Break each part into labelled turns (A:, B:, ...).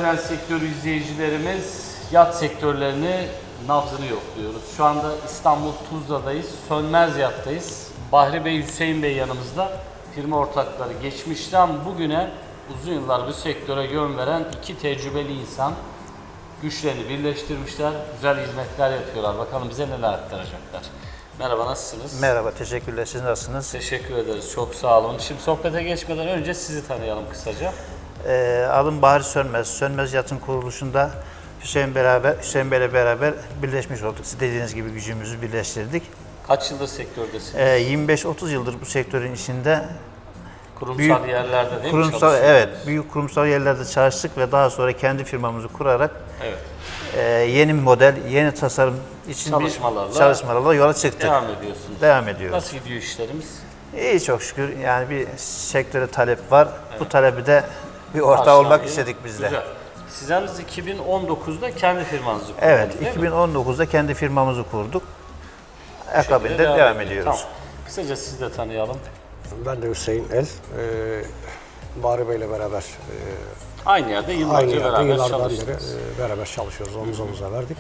A: Özel sektör izleyicilerimiz, yat sektörlerini nabzını yokluyoruz. Şu anda İstanbul Tuzla'dayız, Sönmez Yat'tayız. Bahri Bey, Hüseyin Bey yanımızda. Firma ortakları geçmişten bugüne uzun yıllar bu sektöre yön veren iki tecrübeli insan güçlerini birleştirmişler, güzel hizmetler yapıyorlar. Bakalım bize neler aktaracaklar. Merhaba, nasılsınız?
B: Merhaba, teşekkürler. Siz nasılsınız?
A: Teşekkür ederiz, çok sağ olun. Şimdi sohbete geçmeden önce sizi tanıyalım kısaca.
B: Adım Bahri Sönmez. Sönmez Yat'ın kuruluşunda Hüseyin Bey'le beraber birleşmiş olduk. Siz dediğiniz gibi gücümüzü birleştirdik.
A: Kaç yıldır sektördesiniz?
B: 25-30 yıldır bu sektörün içinde
A: Kurumsal yerlerde değil mi çalışıyorsunuz?
B: evet, büyük kurumsal yerlerde çalıştık ve daha sonra kendi firmamızı kurarak
A: Evet.
B: Yeni model, yeni tasarım için çalışmalarla yola çıktık.
A: Devam ediyorsunuz.
B: Devam ediyoruz.
A: Nasıl gidiyor işlerimiz?
B: İyi, çok şükür. Yani bir sektöre talep var. Evet. Bu talebi de bir ortağı
A: Karşılanıyor.
B: olmak istedik biz de.
A: Güzel. Siz yalnız 2019'da kendi firmanızı kurdunuz,
B: Evet,
A: değil mi?
B: 2019'da kendi firmamızı kurduk. Akabinde devam ediyoruz.
A: Tamam. Kısaca sizi de tanıyalım.
C: Ben de Hüseyin El. Bahri Bey'le beraber
A: Aynı yerde yıllarca beraber
C: yıllardan
A: çalıştınız.
C: beri beraber çalışıyoruz. Omuz omuza verdik.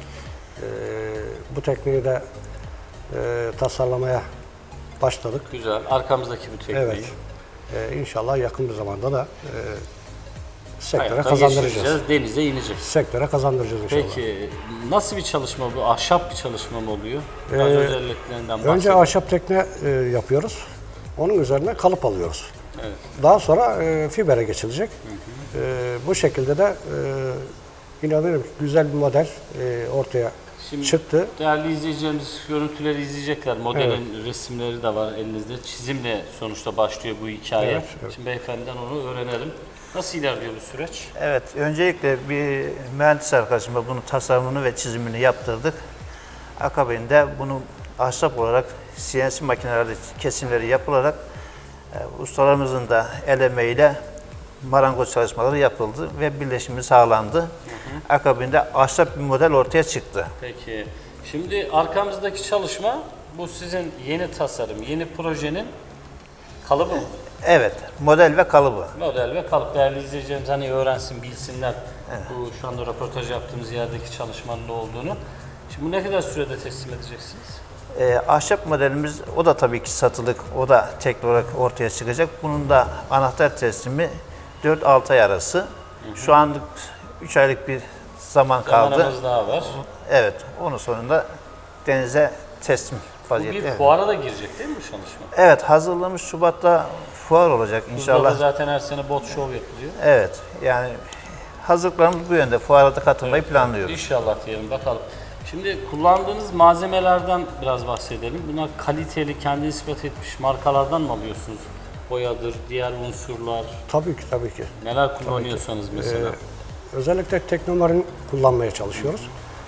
C: Bu tekniği de tasarlamaya başladık.
A: Güzel. Arkamızdaki bu tekniği.
C: Evet. İnşallah yakın bir zamanda da sektöre
A: Hayata
C: kazandıracağız.
A: geçireceğiz, denize ineceğiz.
C: Sektöre kazandıracağız inşallah.
A: Peki nasıl bir çalışma bu? Ahşap bir çalışma mı oluyor? Biraz özelliklerinden bahsedelim.
C: Önce ahşap tekne yapıyoruz. Onun üzerine kalıp alıyoruz.
A: Evet.
C: Daha sonra fibere geçilecek. Bu şekilde de inanırım güzel bir model ortaya çıktı.
A: Değerli izleyicilerimiz görüntüleri izleyecekler. Modelin resimleri de var elinizde. Çizimle sonuçta başlıyor bu hikaye.
C: Evet, evet.
A: Şimdi beyefendiden onu öğrenelim. Nasıl ilerliyor bu süreç?
B: Evet, öncelikle bir mühendis arkadaşımla bunun tasarımını ve çizimini yaptırdık. Akabinde bunu ahşap olarak CNC makinelerde kesimleri yapılarak ustalarımızın da el emeğiyle marangoz çalışmaları yapıldı ve birleşimi sağlandı. Akabinde ahşap bir model ortaya çıktı.
A: Peki. Şimdi arkamızdaki çalışma bu sizin yeni tasarım, yeni projenin kalıbı mı?
B: Evet, model ve kalıbı.
A: Model ve kalıp. Değerli izleyicilerimiz hani öğrensin, bilsinler bu şu anda röportaj yaptığımız yerdeki çalışmanın ne olduğunu. Şimdi bu ne kadar sürede teslim edeceksiniz?
B: Ahşap modelimiz, o da tabii ki satılık, o da teknik olarak ortaya çıkacak. Bunun da anahtar teslimi 4-6 ay arası. Şu anlık 3 aylık bir zaman kaldı.
A: Zamanımız daha var.
B: Evet, onun sonunda denize teslim
A: Bu
B: vaziyette.
A: bir
B: Evet.
A: fuara da girecek değil mi bu çalışma?
B: Evet, hazırlamış Şubat'ta fuar olacak
A: Tuzla'da
B: inşallah.
A: zaten her sene bot show yapılıyor.
B: Evet, yani hazırlıklarımız bu yönde. Fuara da katılmayı planlıyoruz.
A: İnşallah diyelim bakalım. Şimdi kullandığınız malzemelerden biraz bahsedelim. Bunlar kaliteli, kendini ispat etmiş markalardan mı alıyorsunuz? Boyadır, diğer unsurlar,
C: Tabii ki, tabii ki.
A: neler kullanıyorsanız mesela.
C: Özellikle Teknomar'ın kullanmaya çalışıyoruz.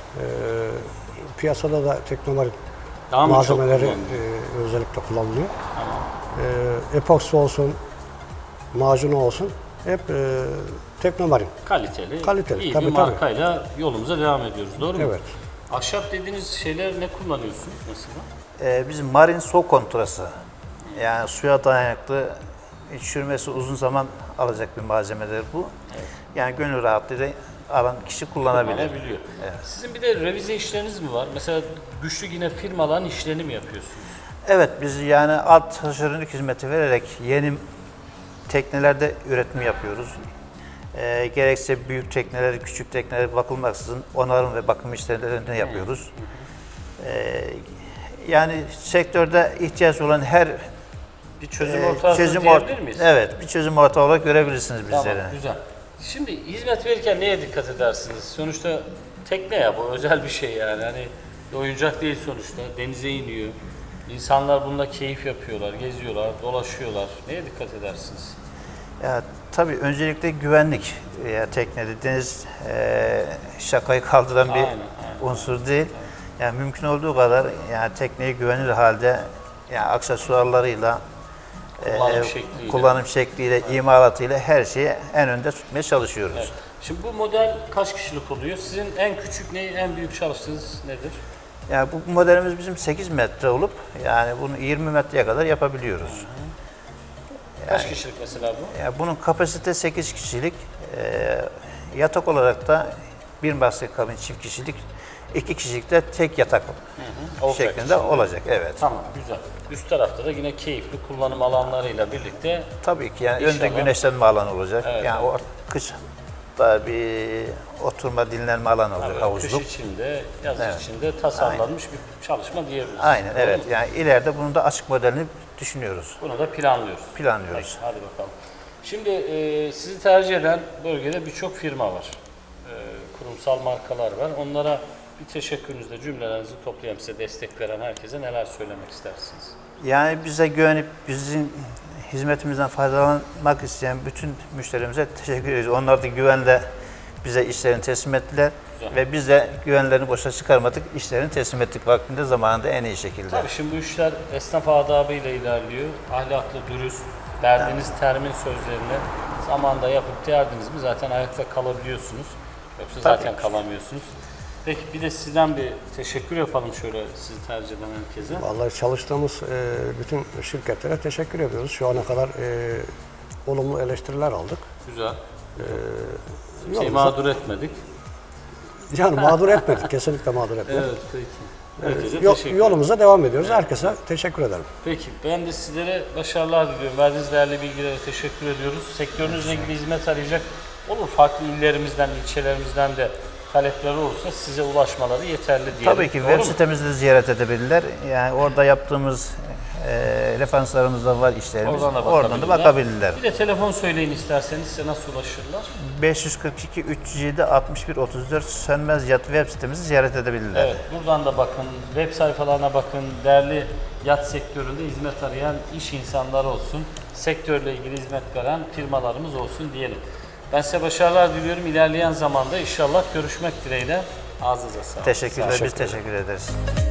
C: Piyasada da Teknomar'ın
A: Daha mı çok
C: malzemeleri
A: kullanılıyor?
C: özellikle kullanılıyor. Epoksi olsun, macunu olsun hep Teknomar'ın.
A: Kaliteli, iyi
C: tabii,
A: bir
C: tabii.
A: markayla yolumuza devam ediyoruz. Doğru mu?
C: Evet.
A: Ahşap dediğiniz şeyler ne kullanıyorsunuz mesela?
B: Bizim marin soğuk kontrası. Yani suya dayanıklı, çürümesi uzun zaman alacak bir malzemedir bu. Yani gönül rahatlığıyla alan kişi kullanabilir.
A: Kullanabiliyor. Sizin bir de revize işleriniz mi var? Mesela güçlü yine firmaların işlerini mi yapıyorsunuz?
B: Evet, biz yani alt taşeronluk hizmeti vererek yeni teknelerde üretim yapıyoruz. Gerekse büyük tekneler, küçük tekneler bakılmaksızın onarım ve bakım işlerini yapıyoruz. Yani sektörde ihtiyaç olan her
A: Bir çözüm ortağısınız diyebilir miyiz?
B: Evet, bir çözüm ortağı olarak görebilirsiniz bizleri.
A: Tamam, güzel. Şimdi hizmet verirken neye dikkat edersiniz? Sonuçta tekne ya, bu özel bir şey yani. Hani oyuncak değil sonuçta. Denize iniyor. İnsanlar bununla keyif yapıyorlar, geziyorlar, dolaşıyorlar. Neye dikkat edersiniz?
B: Ya, tabii öncelikle güvenlik. Teknede deniz şakayı kaldıran bir
A: Aynen.
B: unsur değil. Yani mümkün olduğu kadar yani tekneyi güvenilir halde yani aksesuarlarıyla kullanım şekliyle, imalatıyla her şeyi en önde tutmaya çalışıyoruz.
A: Evet. Şimdi bu model kaç kişilik oluyor? Sizin en küçük ne, en büyük çalıştığınız nedir?
B: Yani bu modelimiz bizim 8 metre olup yani bunu 20 metreye kadar yapabiliyoruz.
A: Kaç kişilik mesela bu?
B: Yani bunun kapasite 8 kişilik. Yatak olarak da bir basket kabin çift kişilik, 2 kişilik de tek yatak
A: Olacak
B: şeklinde
A: şimdi.
B: olacak. Evet.
A: Tamam, güzel. Üst tarafta da yine keyifli kullanım alanlarıyla birlikte
B: Tabii ki yani
A: İnşallah.
B: önde güneşlenme alanı olacak.
A: Evet,
B: yani o kış da bir oturma dinlenme alanı olacak,
A: kış
B: havuzluk.
A: içinde, yaz içinde tasarlanmış bir çalışma diyebiliriz.
B: Aynen,
A: Doğru
B: evet.
A: mu?
B: Yani ileride bunun da açık modelini düşünüyoruz.
A: Bunu da planlıyoruz.
B: Planlıyoruz.
A: Peki, hadi bakalım. Şimdi sizi tercih eden bölgede birçok firma var. Kurumsal markalar var. Onlara bir teşekkürünüzle cümlelerinizi toplayan, size destek veren herkese neler söylemek istersiniz?
B: Yani bize güvenip bizim hizmetimizden faydalanmak isteyen bütün müşterimize teşekkür ediyoruz. Onlar da güvenle bize işlerini teslim ettiler.
A: Güzel.
B: Ve biz de güvenlerini boşa çıkarmadık. İşlerini teslim ettik vaktinde, zamanında en iyi şekilde.
A: Tabii şimdi bu işler esnaf adabıyla ilerliyor. Ahlaklı, dürüst, verdiğiniz termin sözlerini zamanda yapıp derdiniz mi zaten ayakta kalabiliyorsunuz. Yoksa
B: Tabii.
A: zaten kalamıyorsunuz. Peki bir de sizden bir teşekkür yapalım şöyle sizi tercih eden herkese.
C: Vallahi çalıştığımız bütün şirketlere teşekkür ediyoruz. Şu ana kadar olumlu eleştiriler aldık.
A: Güzel.
C: Yolumuza-
A: Mağdur etmedik.
C: Yani mağdur etmedik, kesinlikle mağdur etmedik.
A: Evet peki. Herkese
C: Yo-
A: teşekkür ederim.
C: Yolumuza devam ediyoruz. Herkese teşekkür ederim.
A: Peki ben de sizlere başarılar diliyorum. Verdiğiniz değerli bilgilere teşekkür ediyoruz. Sektörünüzle ilgili hizmet arayacak olur. Farklı illerimizden, ilçelerimizden de talepleri olursa size ulaşmaları yeterli diyelim.
B: Tabii ki
A: Doğru
B: web
A: mu?
B: sitemizde de ziyaret edebilirler. Yani orada yaptığımız referanslarımız da var, işlerimiz. Oradan da bakabilirler.
A: Bir de telefon söyleyin isterseniz size nasıl ulaşırlar?
B: 542 307 61 34 Sönmez Yat web sitemizi ziyaret edebilirler.
A: Evet, buradan da bakın, web sayfalarına bakın, değerli yat sektöründe hizmet arayan iş insanları olsun, sektörle ilgili hizmet veren firmalarımız olsun diyelim. Ben size başarılar diliyorum. İlerleyen zamanda inşallah görüşmek dileğiyle. Ağzınıza sağlık.
B: Teşekkürler, biz teşekkür ederiz.